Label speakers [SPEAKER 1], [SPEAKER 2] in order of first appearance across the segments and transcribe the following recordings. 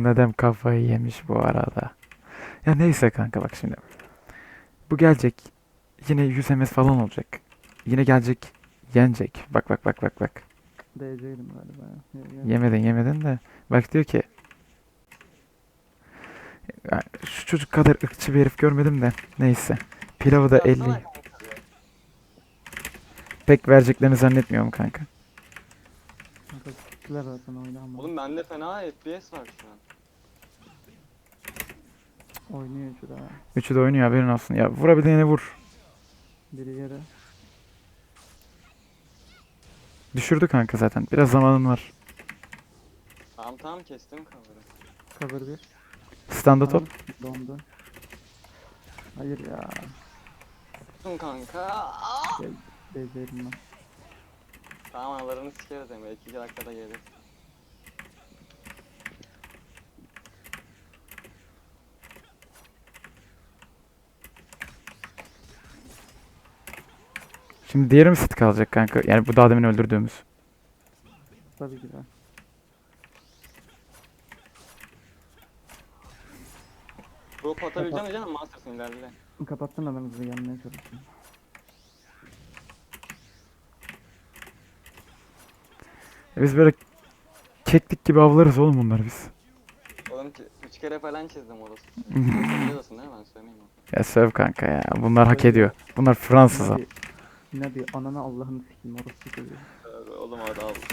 [SPEAKER 1] Bu neden kafayı yemiş bu arada. Ya neyse kanka bak şimdi. Bu gelecek. Yine 100 MS falan olacak. Yine gelecek. Yenecek. Bak bak bak bak bak.
[SPEAKER 2] DC'ydim galiba ya.
[SPEAKER 1] Yemedin de. Bak diyor ki "Ya şu çocuk kadar ırkçı bir herif görmedim de. Neyse. Pilavı da
[SPEAKER 3] Ulti
[SPEAKER 1] 50.
[SPEAKER 3] atsana kanka bir.
[SPEAKER 1] Pek vereceklerini zannetmiyorum kanka.
[SPEAKER 2] Kanka siktiler zaten oyunu ama.
[SPEAKER 3] Oğlum bende fena FPS var şu an.
[SPEAKER 2] Oynuyor şu da.
[SPEAKER 1] Üçü de oynuyor haberin olsun. Ya vurabildiğine vur.
[SPEAKER 2] Biri yere.
[SPEAKER 1] Düşürdü kanka zaten. Biraz zamanın var.
[SPEAKER 3] Tamam tamam kestim cover'ı.
[SPEAKER 2] Cover bir.
[SPEAKER 1] Standa top.
[SPEAKER 2] Ananı dondu. Hayır ya.
[SPEAKER 3] Tuttum kanka. Aa!
[SPEAKER 2] Şey, DC'ydim ben.
[SPEAKER 3] Tamam analarını sikeriz Emre. 2 dakikada gelir.
[SPEAKER 1] Şimdi diğeri mi sit kalacak kanka? Yani bu daha demin öldürdüğümüz.
[SPEAKER 2] Tabii ki de.
[SPEAKER 3] Drop atabileceğim mi canım? Masters'ın ilerle.
[SPEAKER 2] Kapattım da ben hızlı gelmeye çalıştım.
[SPEAKER 1] Biz böyle keklik gibi avlarız oğlum bunları biz.
[SPEAKER 3] Oğlum 3 kere falan çizdim orası. Biliyorsun değil mi? Ben söylemeyeyim onu.
[SPEAKER 1] Ya söv kanka ya. Bunlar hak
[SPEAKER 2] Tabii
[SPEAKER 1] ediyor.
[SPEAKER 2] ya.
[SPEAKER 1] Bunlar Fransız ha.
[SPEAKER 2] Nabi. Nabi ananı Allah'ını sikeyim orası çocuğu.
[SPEAKER 3] Oğlum orada al.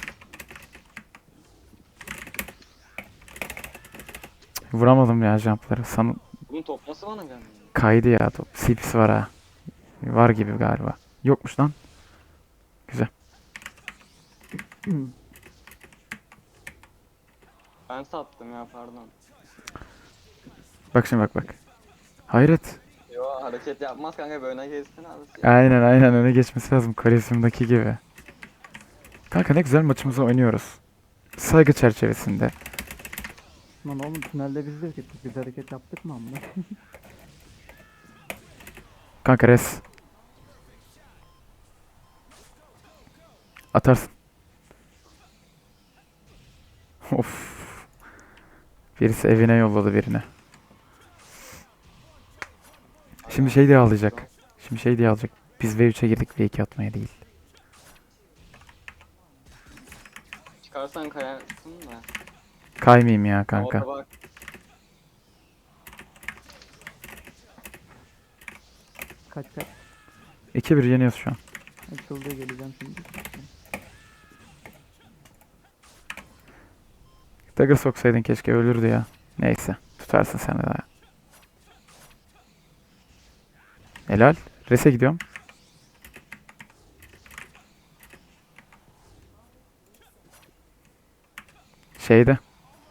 [SPEAKER 1] Vuramadım ya jumpları.
[SPEAKER 3] Oğlum top nasıl bana gelmiyor?
[SPEAKER 1] Kaydı ya top. CP'si var ha. Var gibi galiba. Yokmuş lan. Güzel.
[SPEAKER 3] Ben sattım ya pardon.
[SPEAKER 1] Bak şimdi bak bak. Hayret.
[SPEAKER 3] Yo hareket yapmaz kanka böyle kestin abi.
[SPEAKER 1] Aynen aynen öne geçmesi lazım. Kolezyumdaki gibi. Kanka ne güzel maçımızı oynuyoruz. Saygı çerçevesinde.
[SPEAKER 2] Lan oğlum tünelde biz de hareket, biz hareket yaptık mı amına?
[SPEAKER 1] Kanka res. Atarsın. Of. Birisi evine yolladı birini. Şimdi şey diye ağlayacak. Şimdi şey diye alacak. Biz V3'e girdik V2 atmaya değil.
[SPEAKER 3] Çıkarsan kayarsın da.
[SPEAKER 1] Kaymayayım ya kanka.
[SPEAKER 3] Orada bak.
[SPEAKER 2] Kaç kaç.
[SPEAKER 1] 2-1 yeniyoruz şu an.
[SPEAKER 2] Açıldı geleceğim şimdi.
[SPEAKER 1] Dagger soksaydın keşke ölürdü ya. Neyse. Tutarsın sen de daha. Helal. Res'e gidiyorum. Şeyde.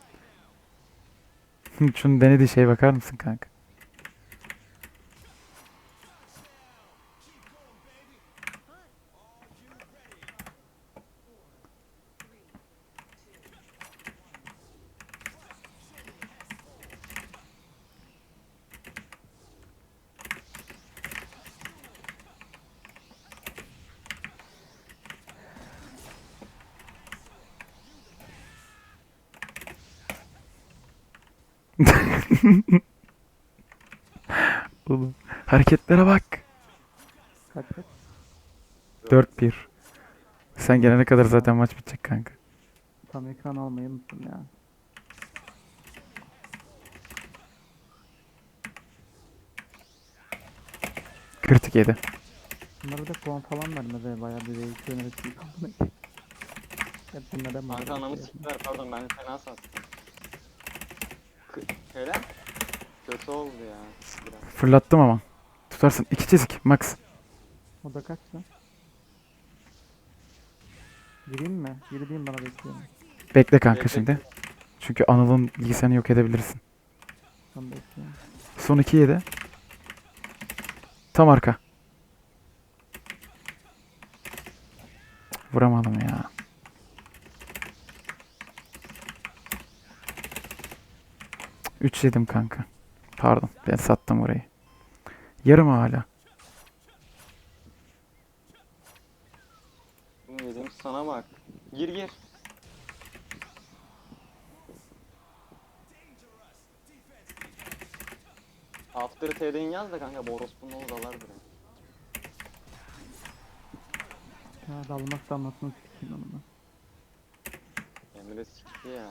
[SPEAKER 1] Şunun denediği şeye bakar mısın kanka? Oğlum. Hareketlere bak.
[SPEAKER 2] Kaç kaç.
[SPEAKER 1] 4-1. Sen gelene kadar zaten maç bitecek kanka.
[SPEAKER 2] Tam ekran almayı unuttum ya.
[SPEAKER 1] Kritik yedi.
[SPEAKER 2] Bunlara da puan falan vermedi bayağı bir değişik yönetici kaldı. Hep bunlara mı?
[SPEAKER 3] Kanka anamı siktiler pardon ben fena sattım. Hele. Kötü oldu ya. Biraz.
[SPEAKER 1] Fırlattım ama. Tutarsın. 2 çizik. Max.
[SPEAKER 2] O da kaçtı? Gireyim mi? Gireyim bana bekliyorum.
[SPEAKER 1] Bekle kanka
[SPEAKER 3] Bekle.
[SPEAKER 1] şimdi. Çünkü Anıl'ın bilgisayarını yok edebilirsin.
[SPEAKER 2] Ben bekliyorum.
[SPEAKER 1] Son 2 yedi. Tam arka. Vuramadım ya. Üç yedim kanka. Pardon. Ben sattım orayı. Yarım hala.
[SPEAKER 3] Dedim sana bak. Gir gir. After TD'in yaz da kanka bu orospunun oğlu dalar buraya.
[SPEAKER 2] Ya dalmak damlasını sikeyim onunla.
[SPEAKER 3] Emre sikti ya.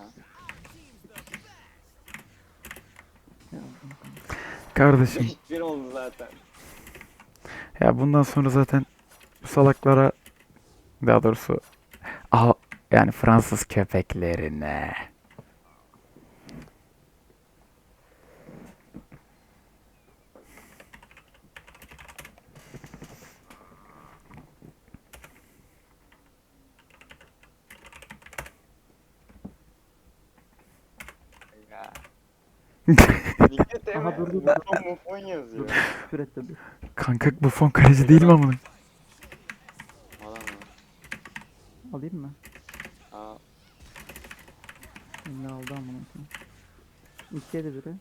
[SPEAKER 2] Ya,
[SPEAKER 1] Kardeşim
[SPEAKER 3] Bir oldu zaten.
[SPEAKER 1] ya bundan sonra zaten bu salaklara, daha doğrusu yani Fransız köpeklerine.
[SPEAKER 3] Ya. Dikkat
[SPEAKER 2] Aha,
[SPEAKER 3] Emre.
[SPEAKER 2] dur, dur, dur.
[SPEAKER 3] Buffon Buffon yazıyor.
[SPEAKER 2] dur. Küfür et tabii.
[SPEAKER 1] Kanka bu fon kaleci değil mi amına?
[SPEAKER 3] Adam ya.
[SPEAKER 2] Alayım mı?
[SPEAKER 3] Aa,
[SPEAKER 2] Ne aldı amına koyayım. İki yedi biri.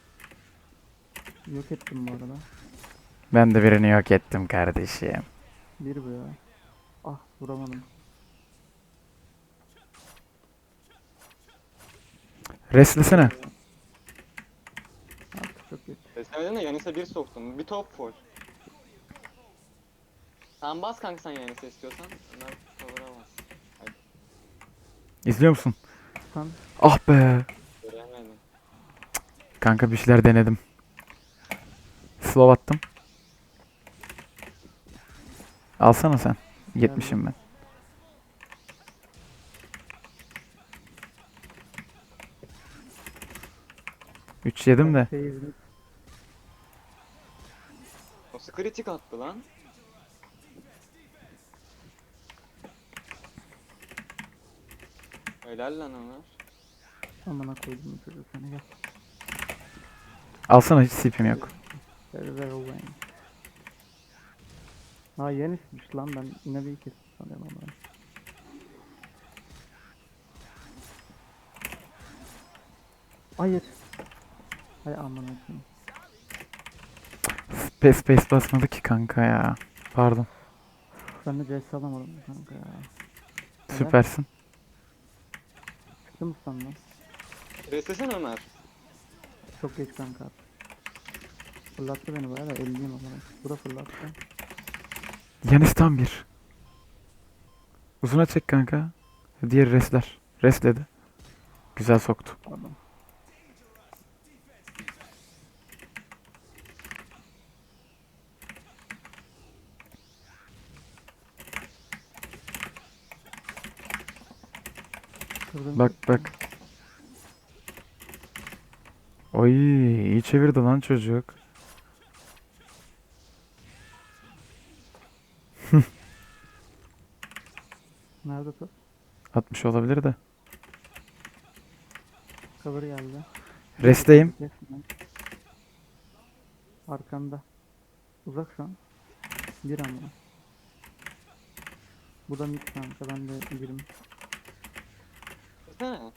[SPEAKER 2] Yok ettim bu arada.
[SPEAKER 1] Ben de birini yok ettim kardeşim.
[SPEAKER 2] Bir bu ya. Ah, vuramadım.
[SPEAKER 1] Restlesene.
[SPEAKER 2] Artık çok geç.
[SPEAKER 3] Beslemeden de Yanis'e bir soktum. Bir top full. Sen bas kanka sen Yanis'e istiyorsan. Ömer cover'a bas.
[SPEAKER 1] İzliyor musun?
[SPEAKER 2] Sen
[SPEAKER 1] Ah be.
[SPEAKER 3] Göremedim.
[SPEAKER 1] Kanka bir şeyler denedim. Slow attım. Alsana sen. 70'im ben. Üç yedim de.
[SPEAKER 2] seyirci
[SPEAKER 3] Nasıl kritik attı lan? Helal lan Ömer.
[SPEAKER 2] amına koydum çocuğu seni, gel.
[SPEAKER 1] Alsana, hiç CP'm yok.
[SPEAKER 2] Very well. Ha, yenismiş lan, ben yine bir kez sanıyorum ama. Hayır. Hay amına koyayım.
[SPEAKER 1] Space basmadı ki kanka ya. Pardon.
[SPEAKER 2] Ben de CS alamadım kanka ya.
[SPEAKER 1] Süpersin.
[SPEAKER 2] Çıktı mı sandın?
[SPEAKER 3] Beslesene Ömer.
[SPEAKER 2] Çok geç kanka. Fırlattı beni bayağı da 50'yim ama. Bu da fırlattı.
[SPEAKER 1] Yanis tam bir. Uzuna çek kanka. Diğer resler. Resledi. Güzel soktu.
[SPEAKER 2] Pardon. Kırdım.
[SPEAKER 1] Bak bak. Oy, iyi çevirdi lan çocuk.
[SPEAKER 2] Nerede top?
[SPEAKER 1] 60 olabilir de.
[SPEAKER 2] Cover geldi.
[SPEAKER 1] Resteyim.
[SPEAKER 2] Resmen. Arkanda. Uzak şu an. Bir ama. Bu da mid kanka, ben de 20.
[SPEAKER 3] Beslesene.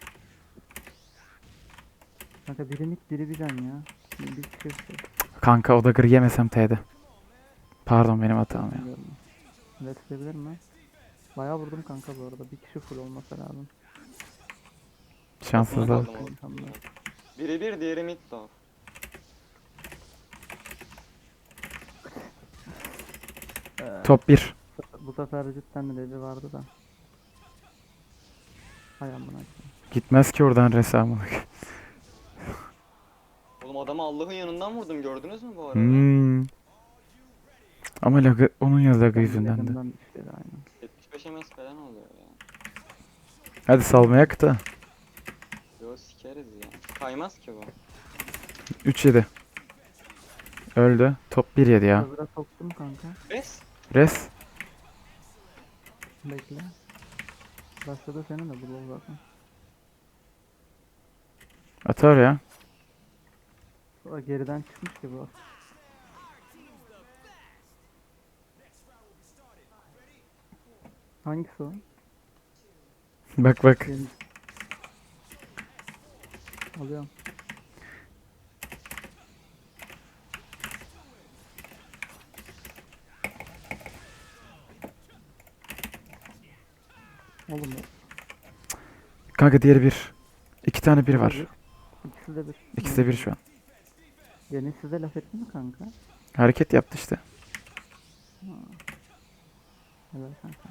[SPEAKER 2] Kanka biri mid biri bir can ya. Bir kişi yok.
[SPEAKER 1] Kanka o da gır yemesem T'de. Pardon, benim hatam ya.
[SPEAKER 2] Bilmiyorum. Evet, sevebilir mi? Bayağı vurdum kanka bu arada. Bir kişi full olması lazım.
[SPEAKER 1] Şanssızlık.
[SPEAKER 3] Aldım
[SPEAKER 2] Tamam.
[SPEAKER 3] oğlum. Biri bir diğeri mid dog.
[SPEAKER 1] Top 1.
[SPEAKER 2] Bu sefer cidden de vardı da. Hay amına koyayım.
[SPEAKER 1] Gitmez ki oradan resamı.
[SPEAKER 3] Oğlum adamı Allah'ın yanından vurdum, gördünüz mü bu arada?
[SPEAKER 1] Hmm. Ama lagı, onun ya lagı
[SPEAKER 2] Ben
[SPEAKER 1] yüzünden de.
[SPEAKER 2] yakından düştü aynen.
[SPEAKER 3] 75 MS falan oluyor ya.
[SPEAKER 1] Hadi salmayak da.
[SPEAKER 3] Yo sikeriz ya. Kaymaz ki bu.
[SPEAKER 1] 3-7. Öldü. Top 1 yedi ya.
[SPEAKER 2] Cover'a soktum kanka.
[SPEAKER 3] Bes.
[SPEAKER 1] Res.
[SPEAKER 2] Bekle. Başladı senin de bu zaten.
[SPEAKER 1] Atar ya.
[SPEAKER 2] O geriden çıkmış ki bu. Hangisi o?
[SPEAKER 1] Bak bak.
[SPEAKER 2] Benim. Alıyorum. Oğlum
[SPEAKER 1] Kanka diğeri 1. 2 tane 1 var.
[SPEAKER 2] İkisi de bir.
[SPEAKER 1] İkisi de 1 şu an.
[SPEAKER 2] Deniz size laf etti mi kanka?
[SPEAKER 1] Hareket yaptı işte.
[SPEAKER 2] Evet kanka.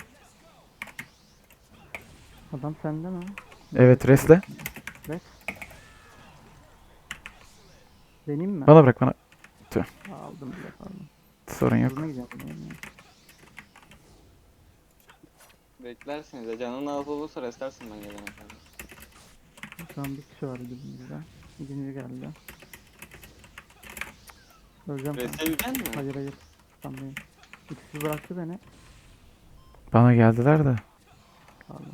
[SPEAKER 2] Adam sende mi?
[SPEAKER 1] Evet, resle.
[SPEAKER 2] Res. Deneyim mi?
[SPEAKER 1] Bana bırak bana.
[SPEAKER 2] Aldım bile pardon.
[SPEAKER 1] Sorun yok.
[SPEAKER 2] Hızına gideceğim. Yani.
[SPEAKER 3] Beklersiniz ya. Canın az olursa restlersin ben gelene kadar.
[SPEAKER 2] Şu an bir kişi var dibimizde. İkinci geldi. Öleceğim kanka.
[SPEAKER 3] Reste yiyecek mi?
[SPEAKER 2] Hayır hayır. Sanmayın. İkisi bıraktı beni.
[SPEAKER 1] Bana geldiler de.
[SPEAKER 2] Pardon.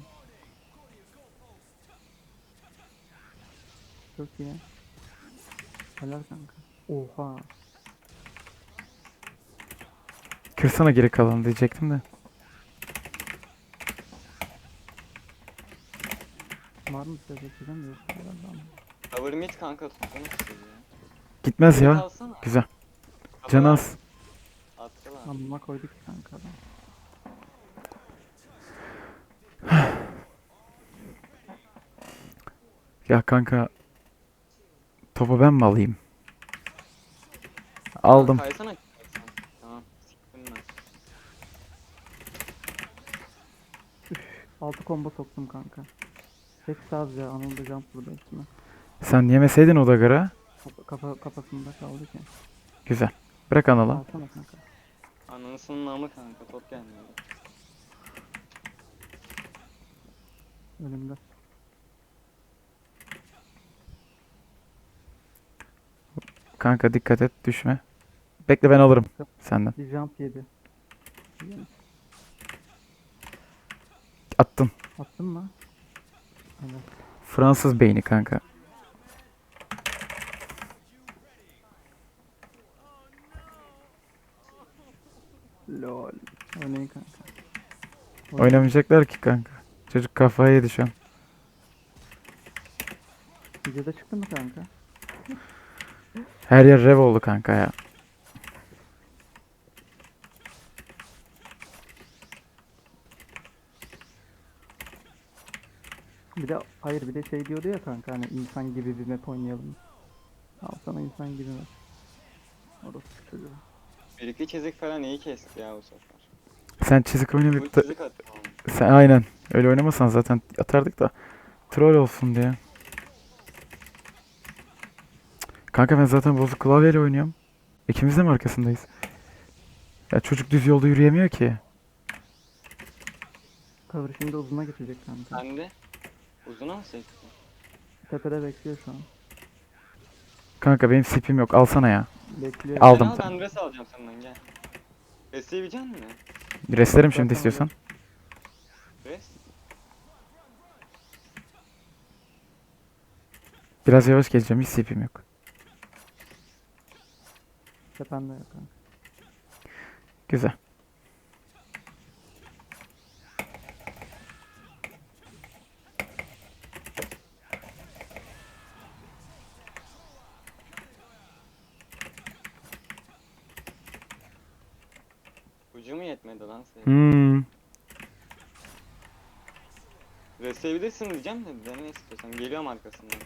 [SPEAKER 2] Çok iyi. Helal kanka. Oha.
[SPEAKER 1] Kırsana geri kalanı diyecektim de.
[SPEAKER 2] Var mı size geçeceğim de yok herhalde ama.
[SPEAKER 3] Cover mid kanka tutsana sizi ya.
[SPEAKER 1] Gitmez
[SPEAKER 3] Geri
[SPEAKER 1] ya.
[SPEAKER 3] kalsana.
[SPEAKER 1] Güzel.
[SPEAKER 3] Cover
[SPEAKER 1] Canı
[SPEAKER 3] al.
[SPEAKER 1] az.
[SPEAKER 3] Attılar.
[SPEAKER 2] Amma koyduk ki kanka adam.
[SPEAKER 1] Ya kanka. Topu ben mi alayım? Aldım.
[SPEAKER 3] Kaysana. Tamam. Siktim ben.
[SPEAKER 2] 6 combo soktum kanka. Hepsi az ya. Anıldı jump burada üstüne.
[SPEAKER 1] Sen yemeseydin o dagara.
[SPEAKER 2] Kafasında kaldı ki.
[SPEAKER 1] Güzel. Bırak analı.
[SPEAKER 2] Alsana kanka.
[SPEAKER 3] Ananısının namı kanka. Top gelmiyor.
[SPEAKER 2] Önümde.
[SPEAKER 1] Kanka dikkat et düşme. Bekle ben alırım senden.
[SPEAKER 2] Bir jump yedi.
[SPEAKER 1] Attın.
[SPEAKER 2] Attın mı? Evet.
[SPEAKER 1] Fransız beyni kanka.
[SPEAKER 2] Lol. Oynayın kanka.
[SPEAKER 1] Oynamayacaklar ki kanka. Çocuk kafayı yedi şu an.
[SPEAKER 2] Videoda çıktı mı kanka?
[SPEAKER 1] Her yer rev oldu kanka ya.
[SPEAKER 2] Bir de hayır bir de şey diyordu ya kanka hani insan gibi bir map oynayalım. Al sana insan gibi map. Orası çocuğu.
[SPEAKER 3] Bir iki çizik falan iyi kesti ya bu sefer.
[SPEAKER 1] Sen çizik
[SPEAKER 3] Bu
[SPEAKER 1] oynamayıp da...
[SPEAKER 3] çizik atıyor.
[SPEAKER 1] Sen aynen. Öyle oynamasan zaten atardık da. Troll olsun diye. Kanka ben zaten bozuk klavyeyle oynuyorum. İkimiz de mi arkasındayız? Ya çocuk düz yolda yürüyemiyor ki.
[SPEAKER 2] Cover şimdi uzuna geçecek kanka.
[SPEAKER 3] Sen de uzuna mı sektin?
[SPEAKER 2] Tepede bekliyor şu an.
[SPEAKER 1] Kanka benim sipim yok. Alsana ya.
[SPEAKER 2] Bekliyor.
[SPEAKER 1] Aldım.
[SPEAKER 3] Sen al, ben res alacağım senden gel. Res yiyebilecek misin?
[SPEAKER 1] Restlerim şimdi
[SPEAKER 2] Zaten
[SPEAKER 1] istiyorsan.
[SPEAKER 3] Res?
[SPEAKER 1] Biraz yavaş geleceğim. Hiç sipim yok.
[SPEAKER 2] Tepende yok kanka.
[SPEAKER 1] Güzel.
[SPEAKER 3] Ucu mu yetmedi lan senin?
[SPEAKER 1] Hmm.
[SPEAKER 3] Res yiyebilirsin diyeceğim de dene istiyorsan. Geliyorum arkasından.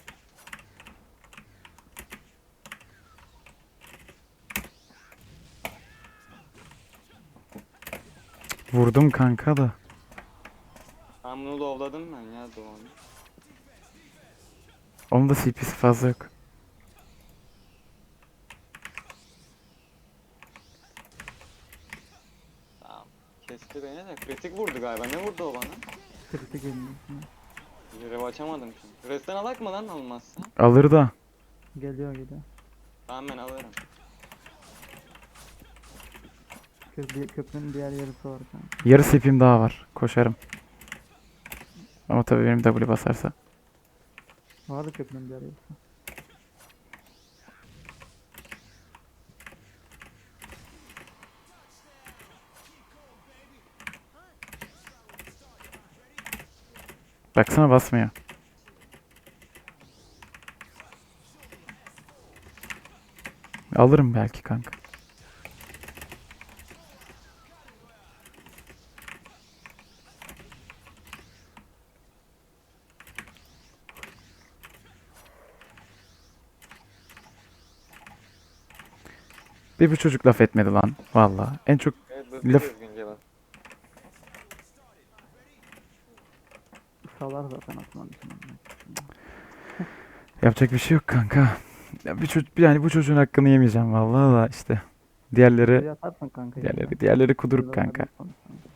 [SPEAKER 1] Vurdum kanka da.
[SPEAKER 3] Ben bunu lovladım ben ya Doğan'ı.
[SPEAKER 1] Onun da CP'si fazla yok.
[SPEAKER 3] Tamam. Kesti beni de. Kritik vurdu galiba. Ne vurdu o bana?
[SPEAKER 2] Kritik elinde.
[SPEAKER 3] Rev açamadım çünkü. Resten alak mı lan olmazsa?
[SPEAKER 1] Alır da.
[SPEAKER 2] Geliyor geliyor.
[SPEAKER 3] Tamam ben alırım.
[SPEAKER 2] Köprünün diğer yarısı var kanka.
[SPEAKER 1] Yarı CP'm daha var. Koşarım. Ama tabii benim W basarsa.
[SPEAKER 2] Vardı köprünün diğer yarısı.
[SPEAKER 1] Baksana basmıyor. Alırım belki kanka. Bir bu çocuk laf etmedi lan. Valla. En çok
[SPEAKER 3] Evet bu
[SPEAKER 1] Laf-
[SPEAKER 3] bir düzgün cevap.
[SPEAKER 2] Salar zaten atman için.
[SPEAKER 1] yapacak bir şey yok kanka. Ya bir çocuk yani bu çocuğun hakkını yemeyeceğim vallahi da işte. Diğerleri
[SPEAKER 2] Buraya atarsın kanka.
[SPEAKER 1] diğerleri kuduruk kanka.
[SPEAKER 2] Konuşalım.